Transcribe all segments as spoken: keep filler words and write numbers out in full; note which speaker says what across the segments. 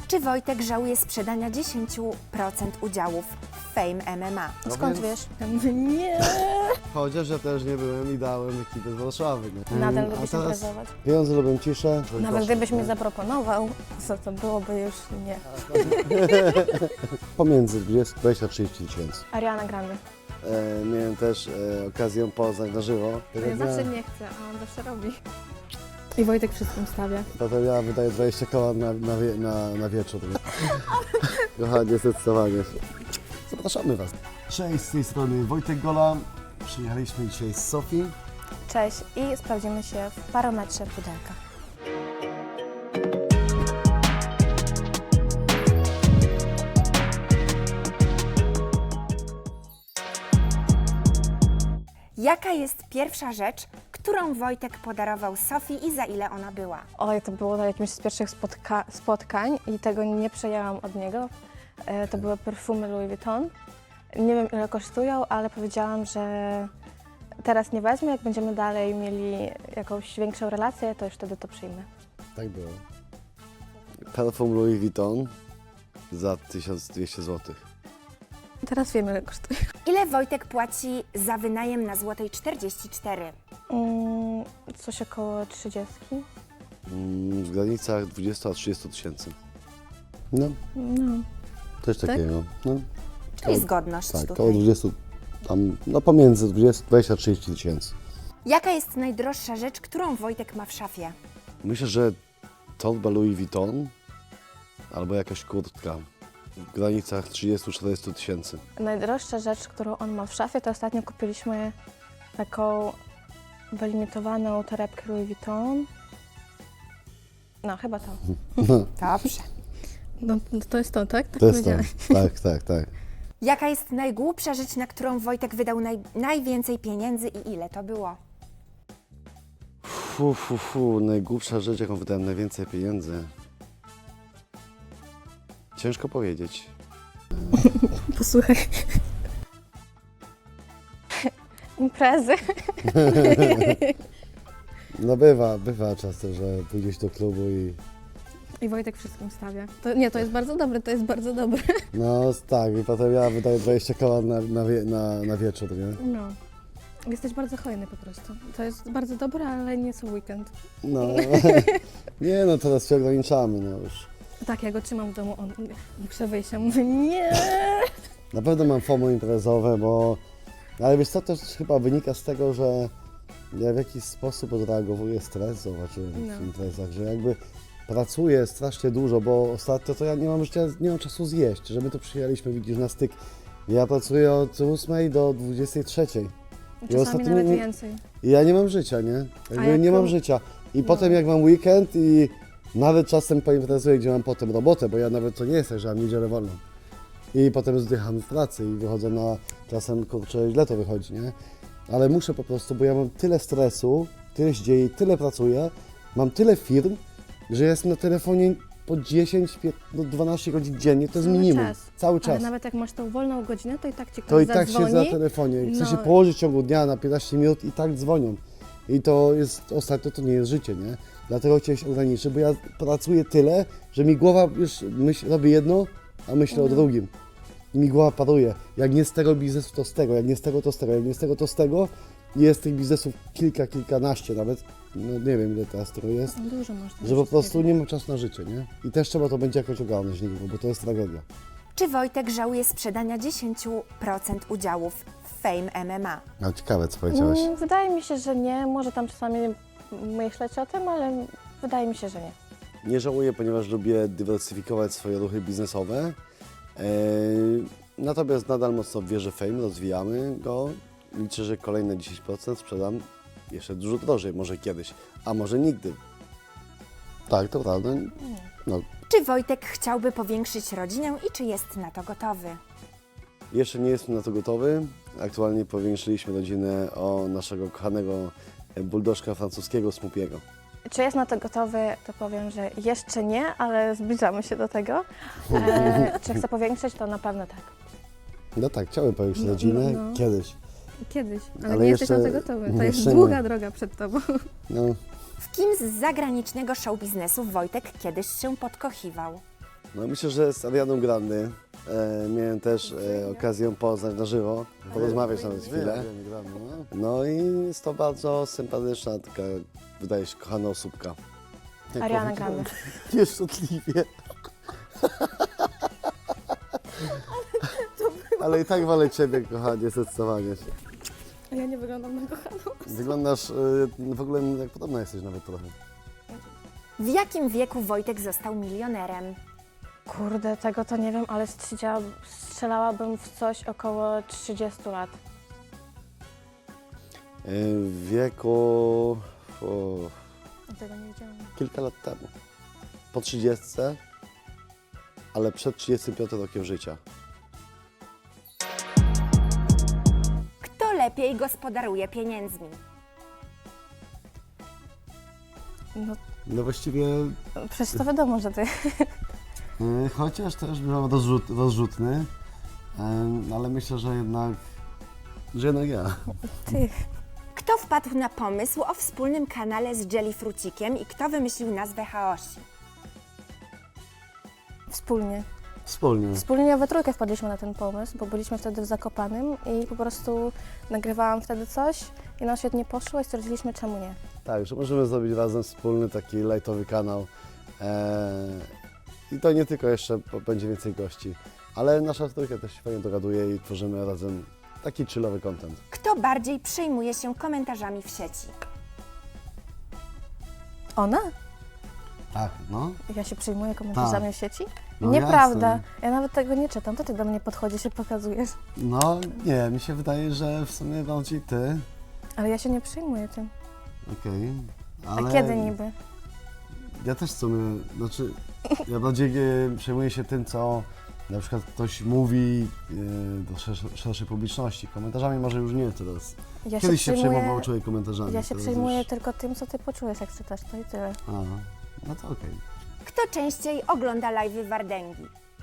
Speaker 1: Czy Wojtek żałuje sprzedania dziesięć procent udziałów w Fame M M A?
Speaker 2: No
Speaker 3: Skąd
Speaker 2: więc-
Speaker 3: wiesz? Ja mówię, nie.
Speaker 2: Chociaż ja też nie byłem i dałem ekipę z Warszawy. Nie?
Speaker 3: Nadal
Speaker 2: Mm,
Speaker 3: lubisz
Speaker 2: a teraz
Speaker 3: imprezować.
Speaker 2: pieniądze lubią ciszę.
Speaker 3: Nawet gdybyś mi zaproponował, to, to byłoby już nie.
Speaker 2: Pomiędzy dwadzieścia a trzydzieści tysięcy.
Speaker 3: Ariana Grande.
Speaker 2: E, miałem też e, okazję poznać na żywo.
Speaker 3: Ja zawsze nie chcę, a on zawsze robi. I Wojtek wszystkim stawia.
Speaker 2: Potem ja wydaję dwadzieścia koła na, na, wie- na, na wieczór. Kochanie, zdecydowanie. Zapraszamy Was. Cześć, z tej strony Wojtek Gola. Przyjechaliśmy dzisiaj z Sofii.
Speaker 3: Cześć i sprawdzimy się w parometrze pudelka.
Speaker 1: Jaka jest pierwsza rzecz, którą Wojtek podarował Sofii i za ile ona była?
Speaker 3: Oj, to było na jakimś z pierwszych spotka spotkań i tego nie przejęłam od niego. E, to były perfumy Louis Vuitton. Nie wiem, ile kosztują, ale powiedziałam, że teraz nie wezmę. Jak będziemy dalej mieli jakąś większą relację, to już wtedy to przyjmę.
Speaker 2: Tak było. Perfum Louis Vuitton za tysiąc dwieście złotych.
Speaker 3: Teraz wiemy, ile kosztuje.
Speaker 1: Ile Wojtek płaci za wynajem na Złotej czterdzieści cztery?
Speaker 3: Mm, coś około trzydzieści.
Speaker 2: Mm, w granicach dwudziestu a trzydziestu tysięcy. No,
Speaker 3: No.
Speaker 2: coś
Speaker 3: Tak?
Speaker 2: takiego. No.
Speaker 1: Czyli zgodność
Speaker 2: Tak,
Speaker 1: tutaj.
Speaker 2: około dwudziestu, tam, no pomiędzy dwudziestu a trzydziestu tysięcy.
Speaker 1: Jaka jest najdroższa rzecz, którą Wojtek ma w szafie?
Speaker 2: Myślę, że torba Louis Vuitton albo jakaś kurtka w granicach trzydziestu do czterdziestu tysięcy.
Speaker 3: Najdroższa rzecz, którą on ma w szafie, to ostatnio kupiliśmy taką wylimitowaną torebkę Louis Vuitton. No, chyba to.
Speaker 1: Dobrze.
Speaker 3: No, to jest to, tak? Tak
Speaker 2: To jest to. Tak, tak, tak.
Speaker 1: Jaka jest najgłupsza rzecz, na którą Wojtek wydał naj, najwięcej pieniędzy i ile to było?
Speaker 2: Fu, fu, fu, najgłupsza rzecz, jaką wydałem najwięcej pieniędzy. Ciężko powiedzieć.
Speaker 3: Posłuchaj. Imprezy.
Speaker 2: No bywa, bywa czasem, że pójdziesz do klubu i
Speaker 3: I Wojtek wszystkim stawia. To, nie, to jest bardzo dobre, to jest bardzo dobre.
Speaker 2: no tak, i potem ja wydaję dwadzieścia koła na, na, wie- na, na wieczór, nie?
Speaker 3: No. Jesteś bardzo hojny po prostu. To jest bardzo dobre, ale nie co weekend.
Speaker 2: No, nie no, teraz się ograniczamy, no już.
Speaker 3: Tak, ja go trzymam w domu, on muszę wyjść, ja mówię nie.
Speaker 2: Na pewno mam FOMO imprezowe, bo... Ale wiesz co, to też chyba wynika z tego, że ja w jakiś sposób odreagowuję stres, zobaczyłem w
Speaker 3: No.
Speaker 2: imprezach, że jakby pracuję strasznie dużo, bo ostatnio to ja nie mam życia, nie mam czasu zjeść, że my tu przyjechaliśmy, widzisz, na styk. Ja pracuję od ósmej do dwudziestej trzeciej.
Speaker 3: Czasami
Speaker 2: ostatnio
Speaker 3: nawet
Speaker 2: nie-
Speaker 3: więcej.
Speaker 2: I ja nie mam życia, nie? Jakby
Speaker 3: jak
Speaker 2: nie mam
Speaker 3: to-
Speaker 2: życia. I
Speaker 3: No.
Speaker 2: potem jak mam weekend i nawet czasem poimprezuję, gdzie mam potem robotę, bo ja nawet to nie jest tak, że mam niedzielę wolną. I potem zdycham w pracy i wychodzę na, czasem kurczę, źle to wychodzi, nie? Ale muszę po prostu, bo ja mam tyle stresu, tyle się dzieje, tyle pracuję, mam tyle firm, że jestem na telefonie po dziesięć, piętnaście, no dwanaście godzin dziennie, to jest
Speaker 3: Cały
Speaker 2: minimum.
Speaker 3: czas.
Speaker 2: Cały
Speaker 3: Ale
Speaker 2: czas.
Speaker 3: nawet jak masz tą wolną godzinę, to i tak ci ktoś
Speaker 2: To i tak
Speaker 3: zadzwoni.
Speaker 2: siedzę na telefonie. Chcę
Speaker 3: No.
Speaker 2: się położyć w ciągu dnia na piętnaście minut i tak dzwonią. I to jest, ostatnio to nie jest życie, nie? Dlatego chciałem się ograniczyć, bo ja pracuję tyle, że mi głowa już myśl, robi jedno, a myślę o
Speaker 3: No.
Speaker 2: drugim. I mi głowa paruje. Jak nie z tego biznesu, to z tego. Jak nie z tego, to z tego. Jak nie z tego, to z tego. I jest tych biznesów kilka, kilkanaście nawet. No nie wiem, ile teraz tego jest.
Speaker 3: No, dużo można.
Speaker 2: Że po prostu nie ma czasu na życie, nie? I też trzeba to będzie jakoś ogarnąć niedługo, bo to jest tragedia.
Speaker 1: Czy Wojtek żałuje sprzedania dziesięć procent udziałów w Fame M M A?
Speaker 2: No ciekawe, co powiedziałeś.
Speaker 3: Mm, Wydaje mi się, że nie. Może tam czasami myśleć o tym, ale wydaje mi się, że nie.
Speaker 2: Nie żałuję, ponieważ lubię dywersyfikować swoje ruchy biznesowe. Eee, natomiast nadal mocno wierzę w Fame, rozwijamy go. Liczę, że kolejne dziesięć procent sprzedam jeszcze dużo drożej, może kiedyś, a może nigdy. Tak, to prawda. No,
Speaker 1: Czy Wojtek chciałby powiększyć rodzinę i czy jest na to gotowy?
Speaker 2: jeszcze nie jestem na to gotowy. Aktualnie powiększyliśmy rodzinę o naszego kochanego buldożka francuskiego Smupiego.
Speaker 3: Czy jest na to gotowy, to powiem, że jeszcze nie, ale zbliżamy się do tego. E, czy chcę powiększyć, to na pewno tak.
Speaker 2: No tak, chciałem powiększyć
Speaker 3: No,
Speaker 2: rodzinę
Speaker 3: no, no.
Speaker 2: kiedyś.
Speaker 3: Kiedyś, ale,
Speaker 2: Ale
Speaker 3: nie jesteś
Speaker 2: jeszcze-
Speaker 3: na to gotowy. To jest
Speaker 2: jeszcze
Speaker 3: długa
Speaker 2: nie.
Speaker 3: droga przed tobą.
Speaker 2: No,
Speaker 1: W kim z zagranicznego show biznesu Wojtek kiedyś się podkochiwał?
Speaker 2: No myślę, że z Arianą Grande e, miałem też e, okazję poznać na żywo, porozmawiać nawet chwilę. No i jest to bardzo sympatyczna, taka, wydaje się, kochana osóbka. Jak
Speaker 3: Ariana
Speaker 2: powiedziałem,
Speaker 3: Grande.
Speaker 2: Nieszczęśliwie. Ale i tak wolę Ciebie, kochanie, zdecydowanie.
Speaker 3: Ja nie wyglądam na kochaną.
Speaker 2: Wyglądasz, y, w ogóle jak podobna jesteś nawet trochę.
Speaker 1: W jakim wieku Wojtek został milionerem?
Speaker 3: Kurde, tego to nie wiem, ale strzelała, strzelałabym w coś około trzydziestu lat.
Speaker 2: Y, W wieku o,
Speaker 3: Tego nie wiedziałam.
Speaker 2: kilka lat temu. Po trzydziestce, ale przed trzydziestym piątym rokiem życia.
Speaker 1: Kto lepiej gospodaruje pieniędzmi?
Speaker 3: No,
Speaker 2: No właściwie,
Speaker 3: przecież to wiadomo, że ty.
Speaker 2: y, chociaż też byłem rozrzut, rozrzutny, y, ale myślę, że jednak, że jednak ja.
Speaker 3: Ty.
Speaker 1: Kto wpadł na pomysł o wspólnym kanale z Jellyfrucikiem i kto wymyślił nazwę Haosi?
Speaker 3: Wspólnie.
Speaker 2: Wspólnie.
Speaker 3: Wspólnie we trójkę wpadliśmy na ten pomysł, bo byliśmy wtedy w Zakopanym i po prostu nagrywałam wtedy coś i nam świetnie poszło i stwierdziliśmy, czemu nie.
Speaker 2: Tak, że możemy zrobić razem wspólny taki lightowy kanał. Eee, I to nie tylko jeszcze, bo będzie więcej gości, ale nasza trójka też się fajnie dogaduje i tworzymy razem taki chillowy content.
Speaker 1: Kto bardziej przejmuje się komentarzami w sieci?
Speaker 3: Ona?
Speaker 2: Tak, no.
Speaker 3: Ja się przyjmuję komentarzami
Speaker 2: Tak.
Speaker 3: w sieci?
Speaker 2: No
Speaker 3: Nieprawda.
Speaker 2: jasne.
Speaker 3: Ja nawet tego nie czytam. To ty do mnie podchodzisz i pokazujesz.
Speaker 2: No nie, mi się wydaje, że w sumie bardziej ty.
Speaker 3: Ale ja się nie przejmuję tym.
Speaker 2: Okej.
Speaker 3: A
Speaker 2: ale
Speaker 3: kiedy niby?
Speaker 2: Ja też w sumie, znaczy, ja bardziej e, przejmuję się tym, co na przykład ktoś mówi e, do szerszej, szerszej publiczności. Komentarzami może już nie teraz.
Speaker 3: Ja
Speaker 2: Kiedyś się,
Speaker 3: przejmuję-
Speaker 2: przejmował człowiek komentarzami.
Speaker 3: Ja się
Speaker 2: teraz
Speaker 3: przejmuję
Speaker 2: już-
Speaker 3: tylko tym, co ty poczujesz, jak czytasz. To i tyle.
Speaker 2: A, no to okej.
Speaker 1: Kto częściej ogląda live'y Wardęgi?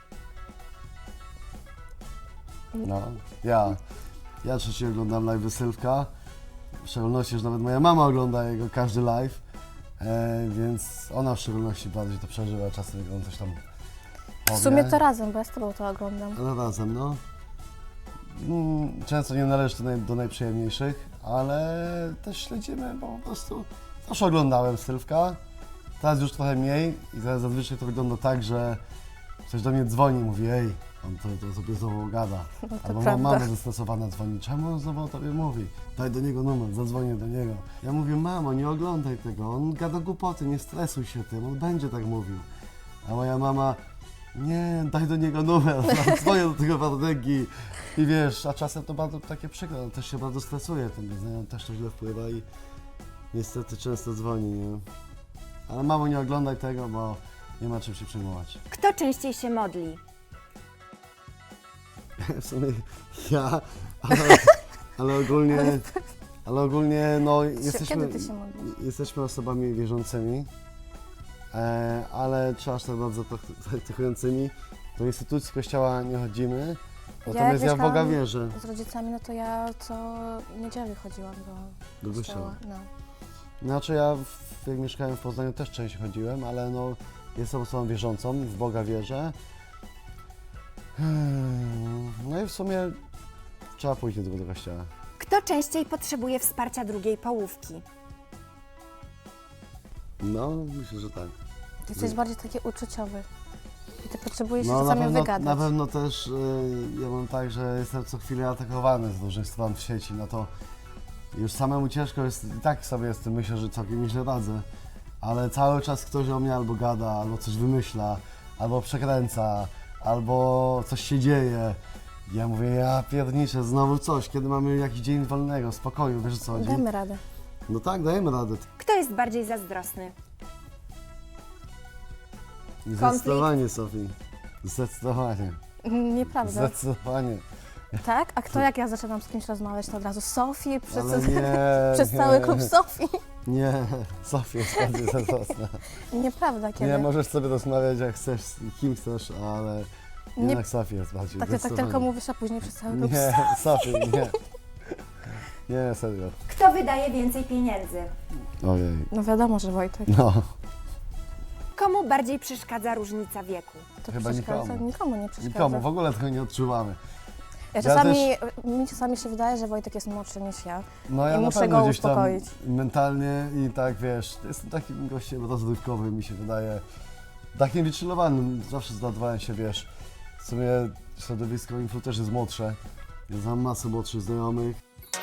Speaker 2: No, ja. Ja trzeciej oglądam live Sylwka. W szczególności, że nawet moja mama ogląda jego każdy live. E, więc ona w szczególności bardziej to przeżywa. Czasem jak on coś tam powie.
Speaker 3: W sumie to razem, bo ja z tobą to oglądam.
Speaker 2: Ale razem, no. Mm, Często nie należy do, naj, do najprzyjemniejszych, ale też śledzimy, bo po prostu zawsze oglądałem Sylwka. Teraz już trochę mniej i teraz zazwyczaj to wygląda tak, że ktoś do mnie dzwoni i mówi, ej, on to, to sobie znowu gada.
Speaker 3: No to
Speaker 2: Albo ma
Speaker 3: prawda.
Speaker 2: mama zestresowana dzwoni, czemu on znowu o tobie mówi? Daj do niego numer, zadzwonię do niego. Ja mówię, mamo, nie oglądaj tego, on gada głupoty, nie stresuj się tym, on będzie tak mówił. A moja mama, nie, daj do niego numer, dzwonię do tego Wardęgi. I wiesz, a czasem to bardzo takie przykre, on też się bardzo stresuje tym, więc on też to źle wpływa i niestety często dzwoni, nie? Ale mamo, nie oglądaj tego, bo nie ma czym się przejmować.
Speaker 1: Kto częściej się modli?
Speaker 2: W sumie ja, ale, ale ogólnie, ale ogólnie no jesteśmy,
Speaker 3: Kiedy ty się modlisz?
Speaker 2: jesteśmy osobami wierzącymi, e, ale czy aż tak bardzo prak- praktykującymi. Do instytucji kościoła nie chodzimy, natomiast ja, w Boga
Speaker 3: mieszkałam
Speaker 2: wierzę.
Speaker 3: Z rodzicami, no to ja co niedzielę chodziłam do
Speaker 2: Do
Speaker 3: kościoła.
Speaker 2: kościoła.
Speaker 3: No.
Speaker 2: Znaczy ja, w, jak mieszkałem w Poznaniu, też częściej chodziłem, ale no jestem osobą wierzącą, w Boga wierzę. Hmm, No i w sumie trzeba pójść do tego kościoła.
Speaker 1: Kto częściej potrzebuje wsparcia drugiej połówki?
Speaker 2: No, myślę, że tak.
Speaker 3: Ty jesteś bardziej taki uczuciowy. I ty potrzebujesz się
Speaker 2: No, na
Speaker 3: czasami
Speaker 2: pewno,
Speaker 3: wygadać.
Speaker 2: na pewno też y, ja mam tak, że jestem co chwilę atakowany z różnych stron w sieci, no to już samemu ciężko jest, i tak sobie z tym myślę, że całkiem nieźle radzę, ale cały czas ktoś o mnie albo gada, albo coś wymyśla, albo przekręca, albo coś się dzieje. Ja mówię, ja pierniczę, znowu coś, kiedy mamy jakiś dzień wolnego, spokoju, wiesz o co chodzi?
Speaker 3: Damy radę.
Speaker 2: No tak, dajemy radę.
Speaker 1: Kto jest bardziej zazdrosny?
Speaker 2: Zdecydowanie, Sofii. Zdecydowanie.
Speaker 3: Nieprawda.
Speaker 2: Zdecydowanie.
Speaker 3: Tak? A kto jak ja zaczynam z kimś rozmawiać, to od razu Sofii, przez,
Speaker 2: Ale nie,
Speaker 3: przez
Speaker 2: nie.
Speaker 3: cały klub Sofii.
Speaker 2: Nie, Sofia jest bardziej zazdrosna.
Speaker 3: Nieprawda, kiedy?
Speaker 2: Nie, możesz sobie rozmawiać jak chcesz, z kim chcesz, ale
Speaker 3: Nie-
Speaker 2: jednak Sofia jest bardziej
Speaker 3: Tak, ty tak
Speaker 2: zdecydowanie.
Speaker 3: tylko mówisz, a później przez cały klub
Speaker 2: Nie, Sofia, nie. Nie, serio.
Speaker 1: Kto wydaje więcej pieniędzy?
Speaker 2: Ojej,
Speaker 3: No wiadomo, że Wojtek.
Speaker 2: no.
Speaker 1: Komu bardziej przeszkadza różnica wieku?
Speaker 3: To
Speaker 2: Chyba
Speaker 3: przeszkadza?
Speaker 2: nikomu.
Speaker 3: Nikomu nie przeszkadza.
Speaker 2: Nikomu, w ogóle tego nie odczuwamy.
Speaker 3: Ja
Speaker 2: Ja
Speaker 3: czasami,
Speaker 2: też-
Speaker 3: Mi czasami się wydaje, że Wojtek jest młodszy niż ja.
Speaker 2: No ja
Speaker 3: I
Speaker 2: na
Speaker 3: muszę
Speaker 2: pewno
Speaker 3: go
Speaker 2: gdzieś tam
Speaker 3: uspokoić.
Speaker 2: mentalnie i tak, wiesz, jestem takim gościem rozrywkowym, mi się wydaje, takim wychillowanym. Zawsze zdawałem się, wiesz, w sumie środowisko influ też jest młodsze. Ja znam masę młodszych znajomych.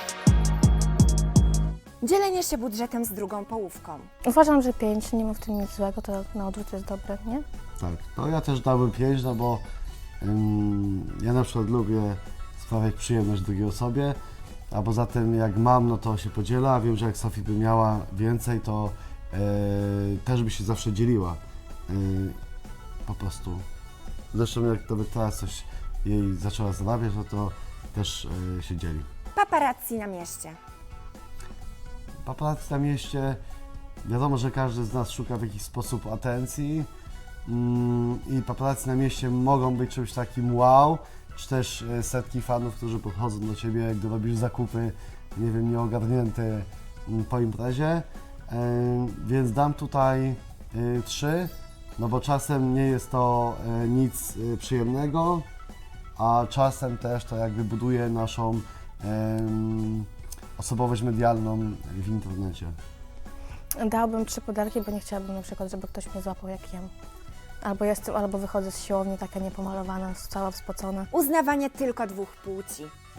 Speaker 1: Dzielenie się budżetem z drugą połówką.
Speaker 3: Uważam, że pięć, nie ma w tym nic złego, to na odwrót jest dobre, nie?
Speaker 2: Tak, to ja też dałbym pięć, no bo ym, ja na przykład lubię sprawiać przyjemność drugiej osobie, a poza tym jak mam, no to się podziela, a wiem, że jak Sofii by miała więcej, to yy, też by się zawsze dzieliła. Yy, po prostu. Zresztą jak nawet teraz coś jej zaczęła zarabiać, no to też yy, się dzieli.
Speaker 1: Paparazzi na mieście.
Speaker 2: Paparazzi na mieście, wiadomo, że każdy z nas szuka w jakiś sposób atencji mm, i paparazzi na mieście mogą być czymś takim wow, czy też e, setki fanów, którzy podchodzą do Ciebie, gdy robisz zakupy, nie wiem, nieogarnięte mm, po imprezie, e, więc dam tutaj e, trzy, no bo czasem nie jest to e, nic e, przyjemnego, a czasem też to jakby buduje naszą em, osobowość medialną w internecie.
Speaker 3: Dałabym trzy pudelki, bo nie chciałabym na przykład, żeby ktoś mnie złapał jak jem. Albo jestem, albo wychodzę z siłowni taka niepomalowana, cała wspocona.
Speaker 1: Uznawanie tylko dwóch płci.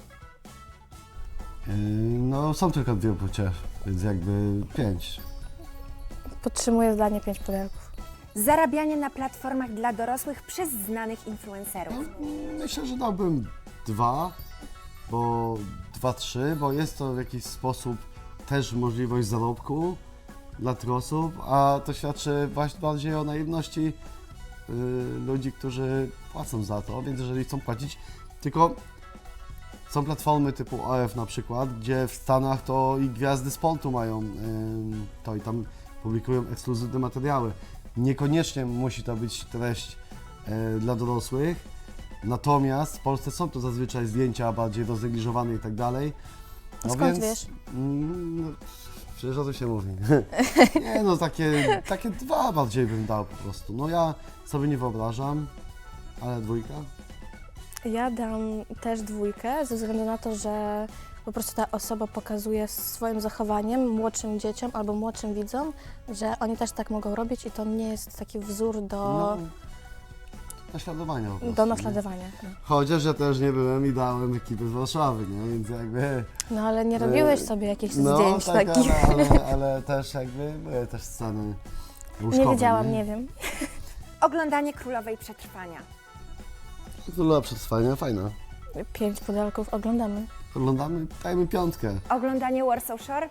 Speaker 2: Yy, No są tylko dwie płcie, więc jakby pięć.
Speaker 3: Podtrzymuję zdanie pięć pudelków.
Speaker 1: Zarabianie na platformach dla dorosłych przez znanych influencerów.
Speaker 2: Myślę, że dałbym dwa, bo dwa, trzy, bo jest to w jakiś sposób też możliwość zarobku dla tych osób, a to świadczy właśnie bardziej o naiwności yy, ludzi, którzy płacą za to, więc jeżeli chcą płacić, tylko są platformy typu O F na przykład, gdzie w Stanach to i gwiazdy sportu mają yy, to i tam publikują ekskluzywne materiały. Niekoniecznie musi to być treść yy, dla dorosłych, natomiast w Polsce są to zazwyczaj zdjęcia bardziej roznegliżowane i tak dalej.
Speaker 3: A skąd wiesz?
Speaker 2: Mm, no, przecież o tym się mówi. Nie no, takie, takie dwa bardziej bym dał po prostu. No ja sobie nie wyobrażam, ale dwójka.
Speaker 3: Ja dam też dwójkę, ze względu na to, że po prostu ta osoba pokazuje swoim zachowaniem młodszym dzieciom albo młodszym widzom, że oni też tak mogą robić i to nie jest taki wzór do,
Speaker 2: No, naśladowania po prostu,
Speaker 3: do
Speaker 2: nie?
Speaker 3: naśladowania. No.
Speaker 2: Chociaż ja też nie byłem i dałem ekipy z Warszawy, nie? Więc jakby...
Speaker 3: no ale nie robiłeś
Speaker 2: Yy,
Speaker 3: sobie jakichś
Speaker 2: No
Speaker 3: zdjęć
Speaker 2: tak,
Speaker 3: takich.
Speaker 2: ale, ale, ale też jakby były też sceny łóżkowe,
Speaker 3: Nie wiedziałam, nie wiem.
Speaker 1: Oglądanie Królowej Przetrwania.
Speaker 2: Królowa Przetrwania, fajna.
Speaker 3: Pięć pudelków oglądamy.
Speaker 2: Oglądamy, dajmy piątkę.
Speaker 1: Oglądanie Warsaw Shore.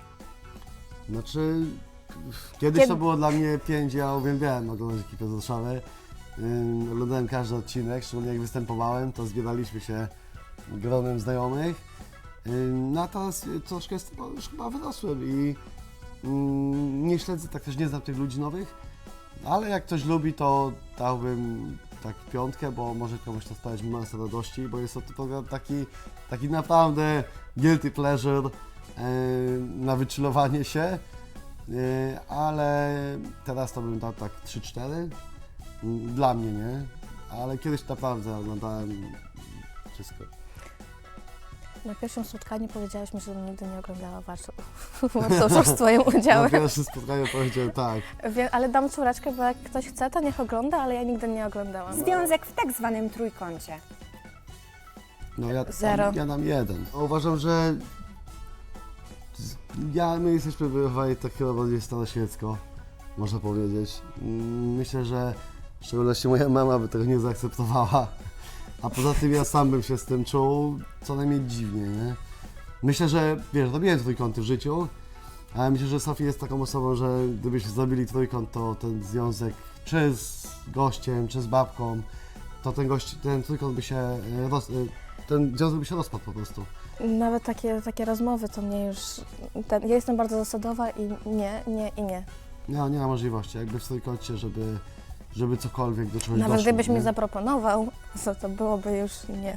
Speaker 2: Znaczy, kiedyś
Speaker 3: Kiedy-
Speaker 2: to było dla mnie pięć, ja uwielbiałem oglądać ekipę z Warszawy. Ym, Oglądałem każdy odcinek, szczególnie jak występowałem, to zbieraliśmy się gronem znajomych. Ym, No a teraz y, troszkę z tego już chyba wyrosłem i ym, nie śledzę, tak też nie znam tych ludzi nowych, ale jak ktoś lubi, to dałbym tak piątkę, bo może komuś to sprawiać masę radości, bo jest to program taki, taki naprawdę guilty pleasure yy, na wychillowanie się, yy, ale teraz to bym dał tak trzy cztery, yy, dla mnie, nie? Ale kiedyś naprawdę oglądałem wszystko.
Speaker 3: Na pierwszym spotkaniu powiedziałeś mi, że nigdy nie oglądała Warsaw Warsaw z Twoim
Speaker 2: Na
Speaker 3: udziałem.
Speaker 2: pierwszym spotkaniu powiedziałem tak.
Speaker 3: Wie, ale dam czwóreczkę, bo jak ktoś chce, to niech ogląda, ale ja nigdy nie oglądałam.
Speaker 1: Związek w tak zwanym trójkącie.
Speaker 2: No ja,
Speaker 3: Zero.
Speaker 2: ja dam jeden. Uważam, że z- ja, my jesteśmy wychowani tak chyba bardziej staroświecko, można powiedzieć. Mm, Myślę, że w szczególności moja mama by tego nie zaakceptowała. A poza tym ja sam bym się z tym czuł co najmniej dziwnie, nie? Myślę, że wiesz, robiłem trójkąty w życiu, ale myślę, że Sofia jest taką osobą, że gdybyśmy zrobili trójkąt, to ten związek czy z gościem, czy z babką, to ten gość, ten trójkąt by się e, roz, e, ten związek by się rozpadł po prostu.
Speaker 3: Nawet takie, takie rozmowy to mnie już... Ten, ja jestem bardzo zasadowa i nie, nie i nie.
Speaker 2: Nie, nie ma możliwości, jakby w trójkącie, żeby, żeby cokolwiek do czegoś
Speaker 3: Nawet
Speaker 2: doszło,
Speaker 3: gdybyś
Speaker 2: nie?
Speaker 3: mi zaproponował, to, to byłoby już nie.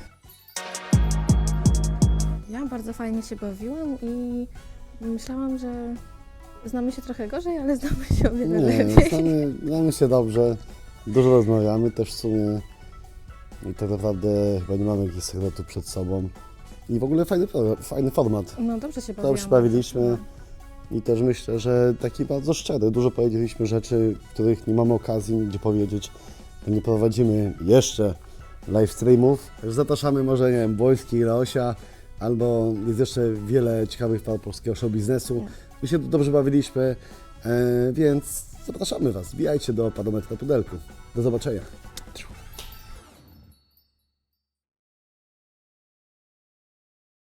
Speaker 3: Ja bardzo fajnie się bawiłam i myślałam, że Znamy się trochę gorzej, ale znamy się o wiele
Speaker 2: Nie,
Speaker 3: lepiej.
Speaker 2: znamy, znamy się dobrze, dużo rozmawiamy też w sumie i tak naprawdę chyba nie mamy jakichś sekretów przed sobą. I w ogóle fajny, pro- fajny format.
Speaker 3: No dobrze się bawiłam.
Speaker 2: Dobrze bawiliśmy i też myślę, że taki bardzo szczery. Dużo powiedzieliśmy rzeczy, których nie mamy okazji nigdzie powiedzieć, bo nie prowadzimy jeszcze live streamów. Także zapraszamy może, nie wiem, Wojski, Leosia, albo jest jeszcze wiele ciekawych par polskiego show biznesu. My się tu dobrze bawiliśmy, e, więc zapraszamy Was. Wbijajcie do Parometru Pudelku. Do zobaczenia.